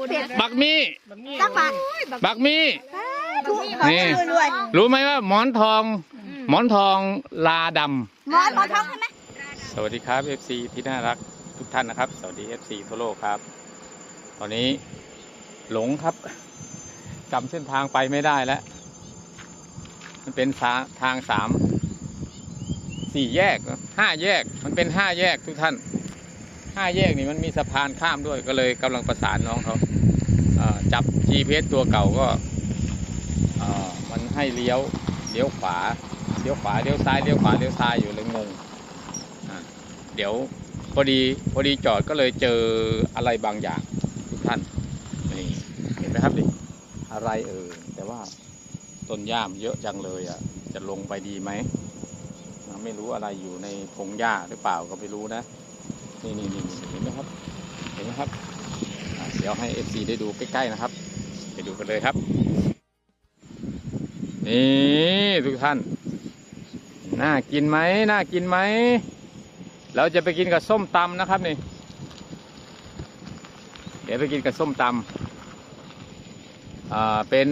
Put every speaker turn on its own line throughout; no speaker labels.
บักมี่
จักบาท
บักมี่
ถูกนี่รวย
รู้ไหมว่าหมอนทองลาดำ
หมอนทองใช่ไหม
สวัสดีครับ FC ที่น่ารักทุกท่านนะครับ สวัสดี FC ทั่วโลกครับตอนนี้หลงครับจำเส้นทางไปไม่ได้แล้วมันเป็นทาง4 แยก5 แยกมันเป็น5 แยกทุกท่าน5 แยกนี่มันมีสะพานข้ามด้วยก็เลยกำลังประสานน้องเขาจับ GPS ตัวเก่าก็มันให้เลี้ยวขวาเลี้ยวซ้ายเลี้ยวขวาเลี้ยวซ้ายอยู่เลยงงเดี๋ยวพอดีจอดก็เลยเจออะไรบางอย่างทุกท่านนี่เห็นไหมครับดิอะไรแต่ว่าต้นหญ้าเยอะจังเลยจะลงไปดีไหมไม่รู้อะไรอยู่ในพงหญ้าหรือเปล่าก็ไม่รู้นะนี่เห็นไหมครับเดี๋ยวให้ FC ได้ดูใกล้ๆนะครับไปดูกันเลยครับนี่ทุกท่านน่ากินไหมเราจะไปกินกับส้มตำนะครับนี่เดี๋ยวไปกินกับส้มตำเป็น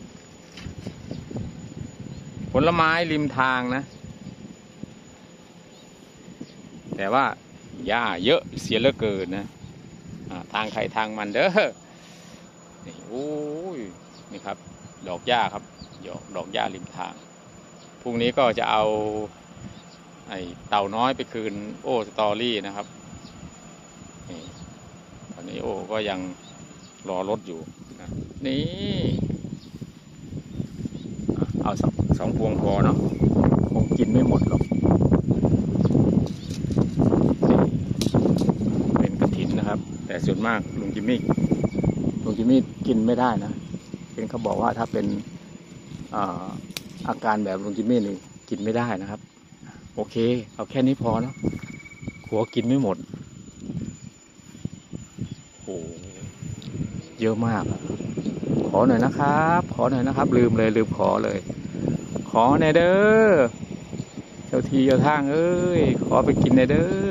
ผลไม้ริมทางนะแต่ว่าหญ้าเยอะเสียเหลือเกินนะทางใครทางมันเด้อนี่โอ้ยนี่ครับดอกหญ้าครับดอกหญ้าริมทางพรุ่งนี้ก็จะเอาไอ้เต่าน้อยไปคืนโอ้สตอรี่นะครับนี่ตอนนี้โอ้ก็ยังรอรถอยู่นะนี่เอาสองพวงพอเนาะคงกินไม่หมดหรอกเป็นกฐินนะครับแต่ส่วนมากลุงจิมมี่กินไม่ได้นะเป็นเขาบอกว่าถ้าเป็นอาการแบบลุงจิมมี่นี่กินไม่ได้นะครับโอเคเอาแค่นี้พอเนาะขัวกินไม่หมดโอ้เยอะมากขอหน่อยนะครับลืมขอเลยขอหน่อยเด้อเจ้าทีเจ้าทางเอ้ยขอไปกินหน่อยเด้อ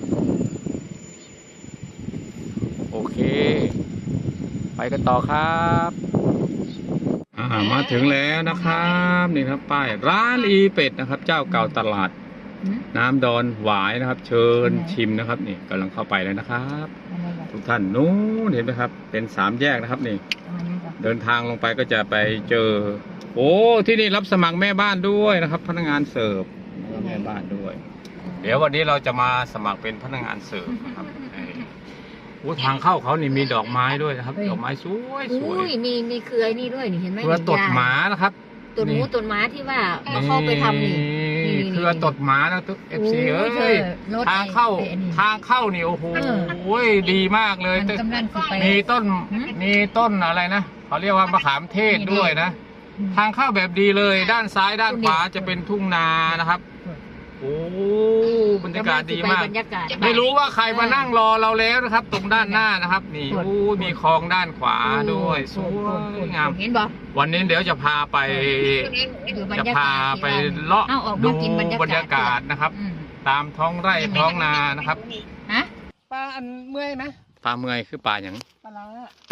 โอเคไปกันต่อครับมาถึงแล้วนะครับนี่ครับป้ายร้านอีเป็ดนะครับเจ้าเก่าตลาดน้ำดอนหวายนะครับเชิญชิมนะครับนี่กำลังเข้าไปเลยนะครับทุกท่านนู้นเห็นไหมครับเป็น3 แยกนะครับนี่เดินทางลงไปก็จะไปเจอโอ้ที่นี่รับสมัครแม่บ้านด้วยนะครับพนักงานเสิร์ฟแม่บ้านด้วยเดี๋ยววันนี้เราจะมาสมัครเป็นพนักงานเสิร์ฟนะครับโอ้ทางเข้าเขานี่มีดอกไม้ด้วยนะครับดอกไม้สวย
มีเครือนี่ด้วยนี่เห็นไหม
เครือตดหมานะครับ
ต้นหมูต้นหมาที่ว่าเข้าไปทำนี่
เครือตดหมานะทุก FC เอ้ยทางเข้านี่โอ้โหดีมากเลยมีต้นอะไรนะเขาเรียกว่ามะขามเทศด้วยนะทางเข้าแบบดีเลยด้านซ้ายด้านขวาจะเป็นทุ่งนานะครับโอ้บรรยากาศดีมากไม่รู้ว่าใครมานั่งรอเราแล้วนะครับตรงด้านหน้านะครับนี่โอ้มีคลองด้านขวาด้วยสวยงามวันนี้เดี๋ยวจะพาไปเลาะดูบรรยากาศนะครับตามท้องไร่ท้องนานะครับ
ปลาอันเมื่อยไหม
ปลาเมื่อยคือปลาอย่าง
ปลา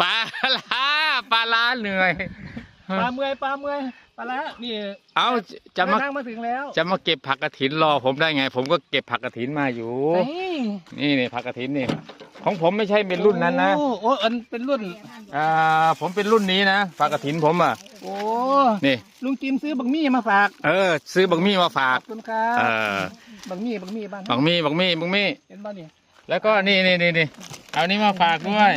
ล้าเหนื่อย
ปลาเมื่อยปลาละนี่
เอาจะ
มาถึงแล้ว
จะมาเก็บผักกฐินรอผมได้ไงผมก็เก็บผักกฐินมาอยู่นี่ผักกฐินนี่ของผมไม่ใช่เป็นรุ่นนั้นนะ
โอ้อันเป็นรุ่น
ผมเป็นรุ่นนี้นะผักกฐินผม
โอ้
นี่
ลุงจิมซื้อบักมี่มาฝาก
ซื้อบักมี่มาฝาก
ขอบคุณครับบักมี่บ้าง
บักมี่
เห็นบ้างนี่
แล้วก็นี่เอานี้มาฝากด้วย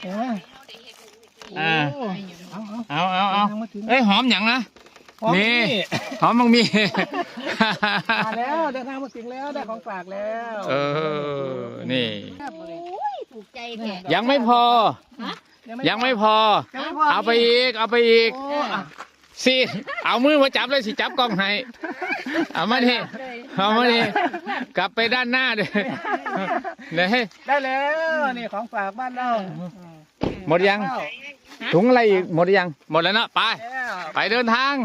เอาเอ้ยหอมอย่างนะนี่หอมบักมี่
มาแล้วเดินทางมาถึงแล้วได้ของฝากแล้ว
นี่
ถูกใจแก
ยังไม่พอเอาไปอีกสิเอามือมาจับเลยสิจับกล้องให้เอามาดิกลับไปด้านหน้าเลย
ได้แล้วนี่ของฝากบ้านเรา
หมดยังถุงอะไรอีกหมดยังหมดแล้วนะไปเดินทาง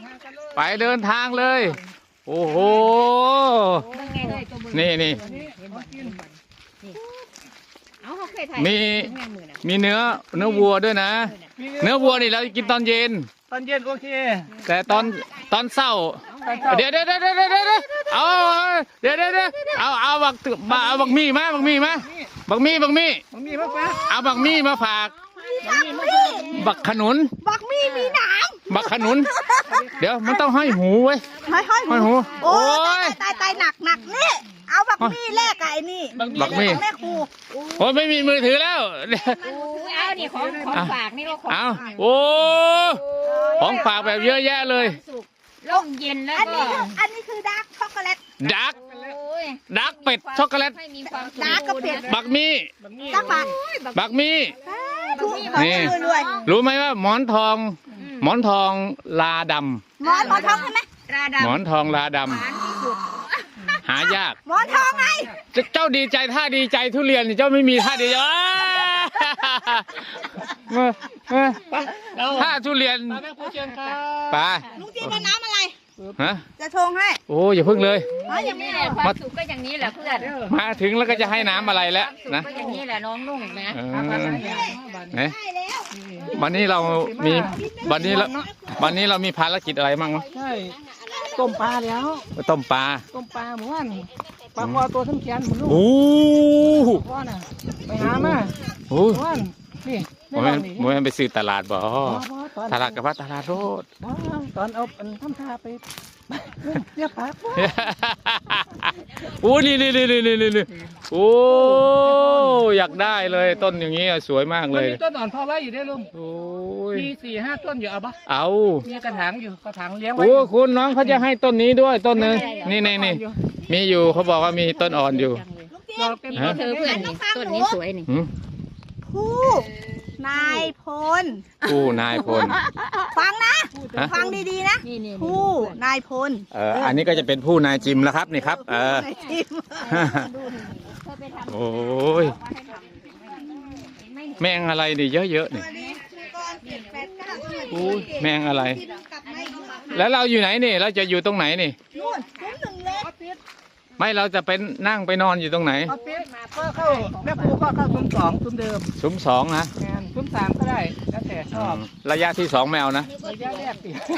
เลยโอ้โหนี่
เอาโอเคยถ่าย
มี
แม่มือน่ะ
มีเนื้อวัวด้วยนะ เนื้อวัวนี่เรากินตอนเย็น
ตอนเย็นโอเค
แต่ตอนเช้า
ตอนเช้า
เดี๋ยวเอาเดี๋ยวเอาบักมี่มาบักมี่มา
มันมีมากปะ
เอาบักมี่มาฝาก บักขนุน
บักมีหนาม
บักขนุน เดี๋ยวมันต้องห้อยหูไว้ย
ห้อย
ห้อยหู
โอ้
โอ้ย
ตายหนักนี่เอาบักมีแลกกับไอ้นี่
บักมี่
แม่ครู
โอ้ยไม่มีมือถือแล้ว
เอานี่ของฝากนี่เราของ
เอา
ฝาก
โอ้ของฝากแบบเยอะแยะเลย
สุกร่มเย็นแล้ว
อัน
ก็
นี้คือดาร์กช็อกโกแลต
ดัก
โอ้ย
ดักเป็ดช็อกโกแลต
ให้มีความสุข
ดาร์กกับเป็ด
บักมี่
ตักบัก
บักมี่
ถูกของ
นี่
รวย
รู้ไหมว่าหมอนทองลาด
หมอนทองใช่ไหม
รา
ำ
ดา
หมอนทองลาด
หวานที่สุด
ำหายาก
หมอนทองไง
เจ้าดีใจท่าดีใจทุเรียนนี่เจ้าไม่มีท่าดีใจท่าทุเรียน
แม่ครูเชิญครับ
ไป
ลุงจีนเอาน้ำอะไร
ฮะ
จะชงให้
โอ้อย่าพึ่งเลย
อ๋ออย่าง
นี่
นี้
แหละความสุขก็อย่างนี้แหละเพื่อน
มาถึงแล้วก็จะให้น้ำอะไรแล้ว
สุข
นะ
ก็อย่างนี้แหละน้องนุ่งนะ
เออ
บ้าน
ไหน
ได้แล้ว
วันนี้เรามีวันนี้เรามีภารกิจอะไรบ้างวะ
ใช่ต้มปลาแล้ว
ต้มปลา
ต้มปลาหมู่บ้านปลาคอตัวทั้งแขนหมุนลูก
โอ้
พ่อน่ะไปหามา
โห
หมู่บ้านนี่
โมเมนต์โมเมนต์ไปซื้อตลาดบ่ตลาดกับว่าตลาดโรด
ตอนเอาทำท่าไปเรียกปลา
โอ้นี่โอ้อยากได้เลยต้นอย่างนี้สวยมาก
มั
เล
น
ย
มีต้นอ่อนพอไว้อยู่ได้ลุง
โอ้ย
มี4-5 ต้นอยู่เอาปะ
เอา
มีกระถางอยู่กระถางเลี้ยงไว้
โอ้คุณน้องเขาจะให้ต้นนี้ด้วยต้นหนึ่งนี่มีอยู่เขาบอกว่ามีต้นอ่อนอยู่
ดอกเต็ม
ฮะ
เธอเพื่อนนี่ต้นนี้สวยนี่
หืม
ผู้นายพล
ผู้นายพล
ฟังนะ
ฮะ
ฟังดีๆนะ
นี่
ผู้นายพล
อันนี้ก็จะเป็นผู้นายจิมแล้วครับนี่ครับ
นายทีม
เธอไปทำ
โอ้ยแมงอะไรนี่เยอะๆนี่
สวัสดีคุณกรณ์789
โอ้ยแมงอะไร
ที่เพิ่งกลับมาอีกครั้ง
แล้วเราอยู่ไหนนี่เราจะอยู่ตรงไหนนี่
นู่นซุ้มหนึ่งเล็ก
ไม่เราจะเป็นนั่งไปนอนอยู่ตรงไหน
เอาปิ๊บก็เข้าแม่ครูก็เข้าซุ้ม2ซุ้มเดิม
ซุ้มสองนะ
งานซุ้ม3ก็ได้แล้วแต่ชอบ
ระยะที่สองแมวนะ
ระยะแรกติ
ฝ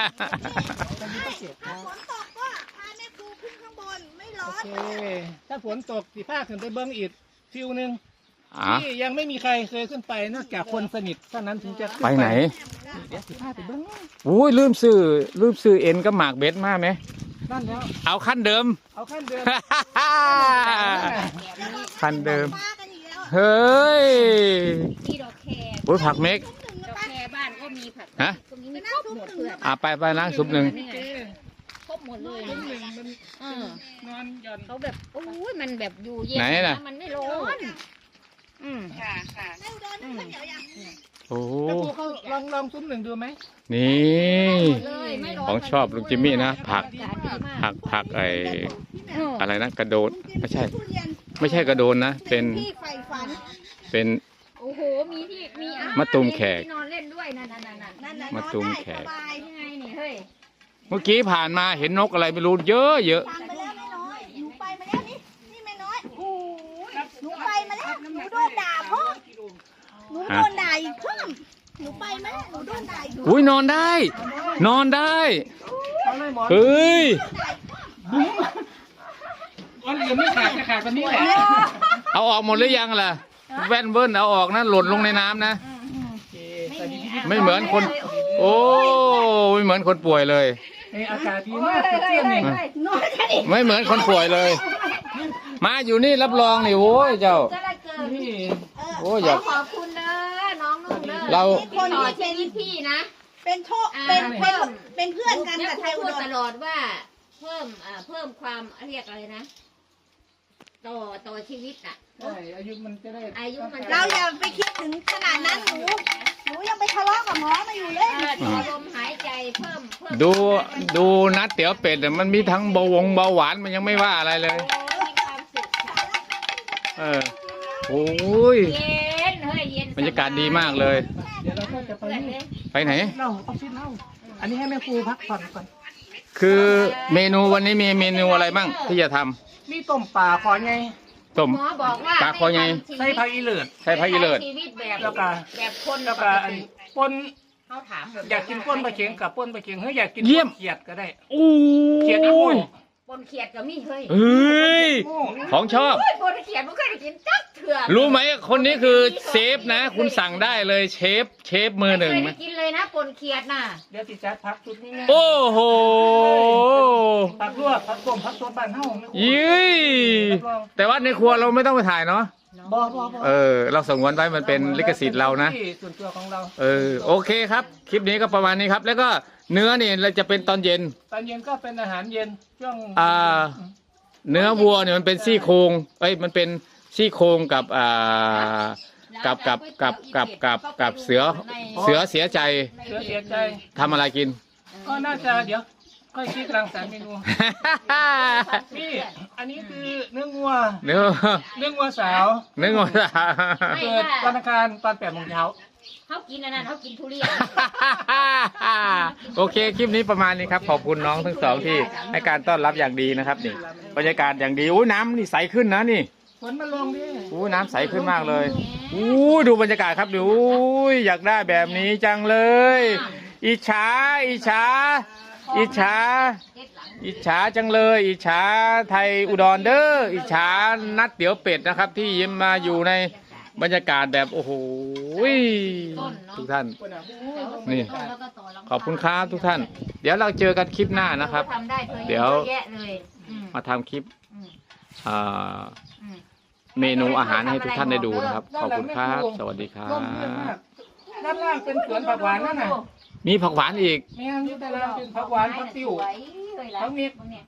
นตกก็พาแม่ครูขึ้นข้างบนไม่ร้อ
โอน เคถ้าฝนตกสิพาขึ้นไปเบิ้งอีกฟิวหนึง
อ่ะ
ที่ยังไม่มีใครเคยขึ้นไปนอกจากคนสนิทเท่านั้นถึงจะขึ้
ไปไหน
เดี๋ยวสิพาไปเบิ้ง
โอ้ยลืมซื้อเอ็นกับหมากเบ็ดมาไหม
นั่นแล้ว
เอาขั้นเดิม
เอาขั้นเดิม
ขั้นเดิม
ป้ากันอีกแล้ว
เฮ้ย
มีดอกแคร์
โอ้ยผักเม็ก
ดอกแคร์บ้านก็มีผัก
ฮะ
ตรงนี้มีครบหมดเพื่อน
ไปล้างซุปหนึ่ง
นี่ไงครบหมดเลย
ซุ้มหนึ่งมัน
เออน
อนหย่อน
เขาแบบโอ้ยมันแบบอยู่เย็น
ไหนล่ะ
มันไม่ร้อน อืม
แม่อุดรนึ่งข้าวเหนียวยัง
โอ้
แม่ครูเขาลองซุ้มหนึ่งดูไหม
นี่
เลยไม่ร้อน
ของชอบลุงจิมมี่นะผัก
อากาศดีมาก
ผัก
เออ
อะไรนะกระโดดไม่ใช่
ทุเรียน
ไม่ใช่กระโดนนะ เป็น
ที่ใฝ่ฝัน
เป็น
โอ้โหมีที่มีอาหาร
มะตูมแขก
ที่นอนเล่นด้วยนั่น
นั่นน่ะ
มาน
อน
ตูม
ได้
แขก
สบาย
ยังไงนี่เฮ้ย
เมื่อกี้ผ่านมาเห็นนกอะไรไม่รู้เยอะ
ฟังไปแล้วแม่น้อยหนูไปมาแล้วนี่แม่น้อยโอ้ยหนูไปมาแล้วหนูโดนด่าเพิ่มหนูโดนด่าอีกเพิ่มหนูไปมาแล้วหนูโดนด่าอีก
อุ้ยนอนได้ นอนได้
เอาเลยหมอน
เฮ้ย
อันอื่นไม่ขาดจะขาดวันนี้แหละ
เอาออกหมดหรือยังล่ะแว่นเบิ้ลเอาออกนะหล่นลงในน้ำนะ ไม่เหมือนคน โอ้ไม่เหมือนคนป่วยเลย
อากาศดีมากสดชื่นนี่
นอนกันอีก
ไม่เหมือนคนป่วยเลย มาอยู่นี่รับรองนี่โอ้ยเจ้า
ก็ได้เกิด
นี่
โอ้ยอยาก
ขอบคุณเด้อน้องนุ่งเด้อ
เรา
ที่ต่อชีวิตพี่นะ
เป็นโชคเป็นเพื่อนกัน
แม่
กับไทยอุ
พูด
ดร
ตลอดว่าเพิ่มความเรียกอะไรนะ ต่อชีวิตอ่ะ
ใช่อายุมันจะได้
อายุมัน
เราอย่าไปคิดถึงขนาดนั้นหนูยังไปทะเลาะกับหมอมาอยู่เลย
ต่อลมหายใจเพิ่ม
ดูนัดเตี๋ยวเป็ดเนี่ยมันมีทั้งเบาหวานมันยังไม่ว่าอะไรเลย
โอ้มีความสุขค่ะ
เออโอ้ย
เย็นเฮ้ยเย็น
บรรยากาศดีมากเลย
เดี๋ยวเราก็จะไป
เพื่อน
นี่
เลย
ไปไหน
เราออฟฟิศเราอันนี้ให้แม่ครูพักผ่อนก่อน
คือเมนูวันนี้มีเมนูอะไรบ้างที่จะทำ
มีต้มปลาขอไง
ต้ม
หมอบอกว่า
ปลาคอใหญ่
ใส่ผักอีเลิศ
ใส่ผักอีเลิศ
ชีวิตแบบ
แล้วก็
แบบคน
แล้วก็อันปน
เขาถามแบบ
อยากกินป้นปลาเข็งกับป้นปลาเข็งเฮ้ยอยากกิน
เยี่ยม
เขียดก็ได้
โอ้
เขียดอีโม่
ย
ปนเขียดก็มีเฮ้ย
เฮ้ย
โม่
ของชอบ
โอ้ยปนเขียดไม่เคยได้กินจักเถื่อ
รู้ไหมคนนี้คือเชฟนะ คุณสั่งได้เลยเชฟมือหนึ่ง
ไม่เคย
นะ
ได้กินเลยนะปนเขียดน่ะ
เดี๋ยวติจัดพักชุดนี้ไง
โอ้โห
ผักลวกผักต้มผักสดบ้านเฮาไม่คุ้ม
ยี่
รับรอง
แต่ว่าในครัวเราไม่ต้องไปถ่ายเนาะ
บ่
เราสงวนไว้มันเป็นลิขสิทธิ์เรานะ
ที่ส่วนตัวของเรา
โอเคครับ คลิปนี้ก็ประมาณนี้ครับ แล้วก็เนื้อนี่เราจะเป็นตอนเย็น
ตอนเย็นก็เป็นอาหารเย็นช่วง
เนื้อวัวเนี่ยมันเป็นซี่โครงมันเป็นซี่โครงกับกับเสือเสียใจ
เสียใจ
ทำอะไรกิน
ก็น่าจะเดี๋ยวค่อยคิดรังสรรค์เมนูนี่อันนี้คือเนื้องัว
เนื้อ
เนื้องัวสาว
เนื้อ
เกิดวันอังคารตอน8 โมงเช้า
เขากินอันนั้นเขากินทุเรียน
โอเคคลิปนี้ประมาณนี้ครับขอบคุณน้องทั้งสองที่ให้การต้อนรับอย่างดีนะครับนี่บรรยากาศอย่างดีอุ้ยน้ำนี่ใสขึ้นนะนี่
ฝนมาลงดิ
อุ้ยน้ำใสขึ้นมากเลยอู้ดูบรรยากาศครับดูอุ้ยอยากได้แบบนี้จังเลย อิจฉาจังเลย อิจฉาไทยอุดรเด้ออิจฉานัดเตี๋ยวเป็ดนะครับ ที่ยิ้มมาอยู่ในบรรยากาศแบบโอ้โหทุกท่าน นี่ ขอบคุณครับทุกท่าน เดี๋ยวเราเจอกันคลิปหน้านะครับ
ทำได้เธอ
เดี๋ยว
เยอะแยะเลยอืม
มาทำคลิป
อืม
อ่า
อืม
เมนูอาหารให้ทุกท่านได้ดูนะครับ ขอบคุณครับ สวัสดีครั
ร่มเย็นมา
บ
กด้านล่างเป็นสวนผักหวานนั่นน่ะ
มีผักหวานอีก
แม่งอยู่ด้านล่างเป็นผักหวานผักติ้ว
สวยเลยล่ะ
ผักเม็ด
เนี่ย